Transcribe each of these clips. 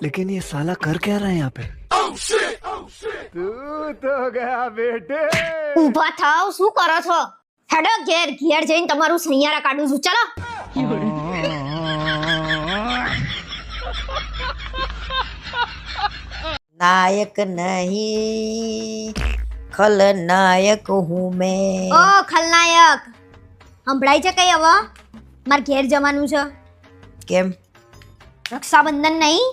लेकिन ये साला कर क्या रहा है यहाँ पे? તું તો ગયા બેટે. ઊભા થાવ, શું કરો છો? હેડો ઘેર જઈને તમારું સૈયારા કાઢું છું. ચાલો. નાયક નહીં ખલનાયક હું મેં. ઓ ખલનાયક, સંભળાય છે કઈ હવે? માર ઘેર જવાનું છે. કેમ? રક્ષાબંધન નહીં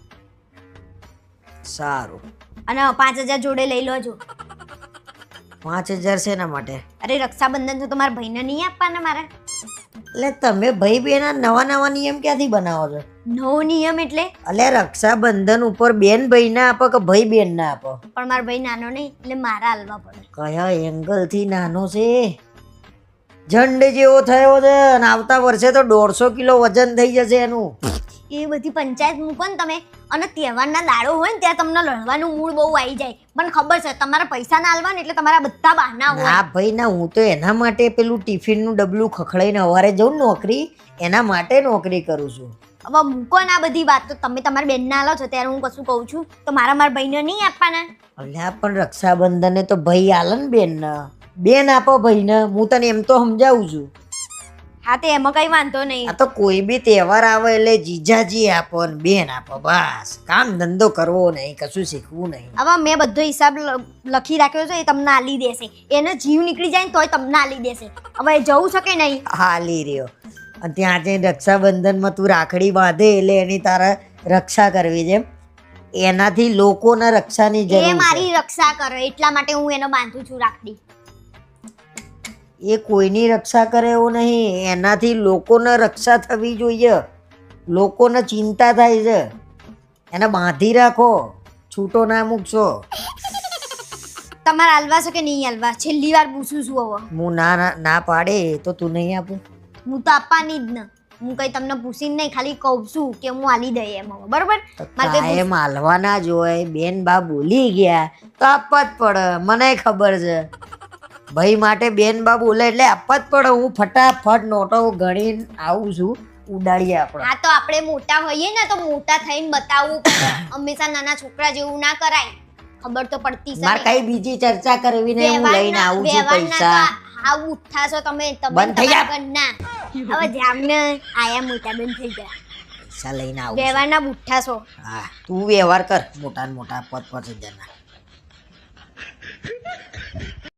સારું. અને 5000 જોડે લઈ લોજો. 5000 શેના માટે? અરે રક્ષાબંધન તો તમારા ભાઈને નહીં આપવાના મારે. એટલે તમે ભાઈ બેન નવા નવા નિયમ ક્યાંથી બનાવો છો? નવો નિયમ એટલે? એટલે રક્ષાબંધન ઉપર બેન ભાઈ ના આપો કે ભાઈ બેન ના આપો? પણ મારો ભાઈ નાનો નહીં એટલે મારા હાલવા પડે. કયા એંગલ થી નાનો છે? ઝંડ જેવો થયો છે અને આવતા વર્ષે તો 150 કિલો વજન થઈ જશે એનું. એ બધી પંચાયત મૂકો ને તમે, અને તહેવારના દાડો હોય ને ત્યાં તમને લડવાનું મૂડ બહુ આવી જાય. મને ખબર છે તમારા પૈસા ના આલવા ને એટલે તમારા બધા બહાના હોય. ના ભાઈ ના, હું તો એના માટે પેલું ટિફિનનું ડબલું ખખડાઈને સવારે જઉં નોકરી, એના માટે નોકરી કરું છું. હવે મૂકો ને આ બધી વાત. તો તમે તમારા બેનને આલો છો ત્યારે હું કશું કહું છું તો મારા ભાઈને નહીં આપવાના? અલ્યા પણ રક્ષાબંધને તો ભાઈ આલે ને બેન. બેન આપો ભાઈને, હું તને એમ તો સમજાવું છું. હા તે એમાં કઈ વાંધો નહીં. આ તો કોઈ બી તહેવાર આવે એટલે જીજાજી આપો ને બેન આપો, બસ. કામ ધંધો કરવો નહીં, કશું શીખવું નહીં. હવે મેં બધો હિસાબ લખી રાખ્યો છે, એ તમને આલી દેશે. એનો જીવ નીકળી જાય ને તોય તમને આલી દેશે. હવે જવું છે કે નહીં? હાલી રહ્યો. અને ત્યાં જઈને રક્ષાબંધનમાં તું રાખડી બાંધે એટલે એની તારે રક્ષા કરવી છે. એનાથી લોકોના રક્ષાની જરૂર એ છે. મારી રક્ષા કરે એટલા માટે હું એને બાંધું છું રાખડી. એ કોઈની રક્ષા કરે એવું નહીં, એનાથી લોકોને રક્ષા થવી જોઈએ. લોકોને ચિંતા થાય છે, એને બાંધી રાખો, છૂટો ના મૂકશો. તમારે હાલવા છે કે નહીં હાલવા? છેલ્લી વાર પૂછું છું. હવે હું ના પાડે તો તું નહીં આપું? હું તો આપવાની જ ને. હું કઈ તમને પૂછીને નહીં, ખાલી કહું છું કે હું આલી દઈ એમ. હવે બરોબર? કાયમ હાલવાના જ હોય. બેન બા બોલી ગયા તો આપવા જ પડે, મને ખબર છે. ભાઈ માટે બેન બા બોલે એટલે આપવા જ પડે. હું ફટાફટ નોટો ગણીને આવું છું. ઉડાડીએ આપણે. હા તો આપણે મોટા હોઈએ ને તો મોટા થઈને બતાવવું પડે. હંમેશા નાના છોકરા જેવું ના કરાય. ખબર તો પડતી છે. મારે કઈ બીજી ચર્ચા કરવી નહીં, હું લઈને આવું છું પૈસા. આવું ઉઠા છો તમે. બંધ થઈ જા. ના હવે જામને આયા મોટા બંધ થઈ ગયા. પૈસા લઈને આવું છું. વ્યવહારના બુઠ્ઠા છો. હા, તું વ્યવહાર કર. મોટા ને મોટા 5,000 ના.